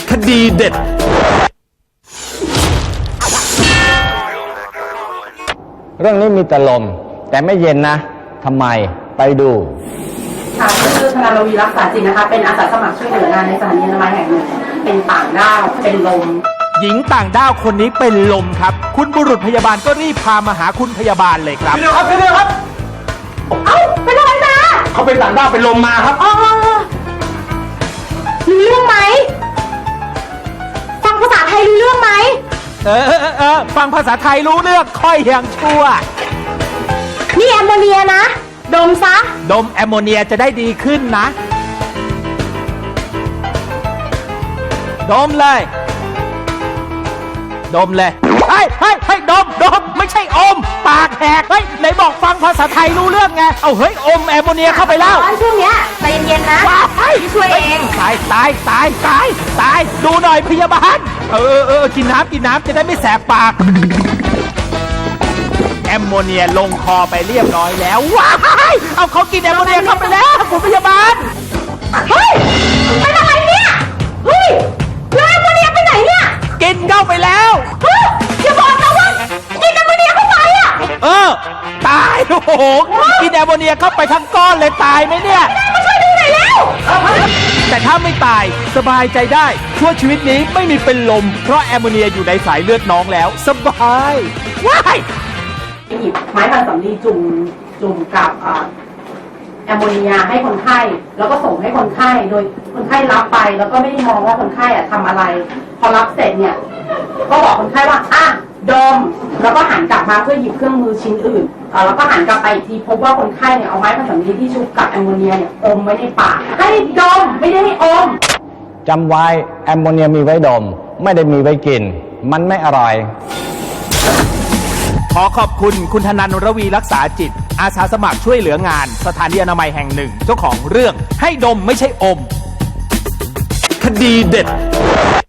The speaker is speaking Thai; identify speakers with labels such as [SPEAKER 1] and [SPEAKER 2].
[SPEAKER 1] คดีเด็ด
[SPEAKER 2] เรื่องนี้มีแต่ลมแต่ไม่เย็นนะทำไมไปดู
[SPEAKER 3] ค่ะชื่อธนาวีรักษาจิตนะคะเป็นอาสาสมัครช่วยเหลืองานในสถานีอนามัยแห่งหนึ่งเป็นต่างด้าวเป็นลม
[SPEAKER 1] หญิงต่างด้าวคนนี้เป็นลมครับคุณบุรุษพยาบาลก็รีบพามาหาคุณพยาบาลเลยครับ
[SPEAKER 2] พี่เดียวครับพี่เดียวครับ
[SPEAKER 3] เอ้าเป็นอะไรมา
[SPEAKER 2] เขาเป็นต่างด้าวเป็นลมมาครับ
[SPEAKER 3] รู้เรื่องไหมฟังภาษาไทยรู้เรื่องไหม
[SPEAKER 1] ฟังภาษาไทยรู้เรื่องค่อยยังชั่ว
[SPEAKER 3] นี่แอมโมเนียนะดมซะ
[SPEAKER 1] ดมแอมโมเนียจะได้ดีขึ้นนะดมเลยดมเลยให้ดมไม่ใช่อมปากแหกไหนบอกฟังภาษาไทยรู้เรื่องไงเอาเฮ้ยอมแอมโมเนียเข้าไปแล้ว
[SPEAKER 3] ช่วงเนี้ยใจเย็นๆนะพี่ช่วยเอง
[SPEAKER 1] ตายดูหน่อยพยาบาลกินน้ำจะได้ไม่แสบปากแอมโมเนียลงคอไปเรียบร้อยแล้วว้ายเอาเขากินแอมโมเนียเข้าไปแล้วคุณพยาบาล
[SPEAKER 3] เฮ้ยเป็นอะไรเนี่ยเฮ้ยแล้วแอมโมเนียไปไหนเนี่ย
[SPEAKER 1] กินเข้าไปแล้ว
[SPEAKER 3] อย่าบอกนะว่ากินแอมโมเนียเข้าไปอ่ะ
[SPEAKER 1] ตายโอ้โหกินแอมโมเนียเข้าไปทั้งก้อนเลยตายไหมเนี่ย
[SPEAKER 3] มาช่วยดูหน่อยแล้ว
[SPEAKER 1] แต่ถ้าไม่ตายสบายใจได้ชั่วชีวิตนี้ไม่มีเป็นลมเพราะแอมโมเนียอยู่ในสายเลือดน้องแล้วสบายว้าย
[SPEAKER 3] หยิบไม้บรรสำลีจุ่มกับแอมโมเนียให้คนไข้แล้วก็ส่งให้คนไข้โดยคนไข้รับไปแล้วก็ไม่ได้มองว่าคนไข้ทำอะไรพอรับเสร็จเนี่ยก็บอกคนไข้ว่าดมแล้วก็หันกลับมาเพื่อหยิบเครื่องมือชิ้นอื่นแล้วก็หันกลับไปอีกทีพบว่าคนไข้เนี่ยเอาไม้บรรสำลีที่ชุบกับแอมโมเนียเนี่ยอมไว้ในปากให้ดมไม่ได้ให้อม
[SPEAKER 2] จำไว้แอมโมเนียมีไว้ดมไม่ได้มีไว้กินมันไม่อร่อย
[SPEAKER 1] ขอขอบคุณคุณธนันท์ ระวีรักษาจิตอาสาสมัครช่วยเหลืองานสถานีอนามัยแห่งหนึ่งเจ้าของเรื่องให้ดมไม่ใช่อมคดีเด็ด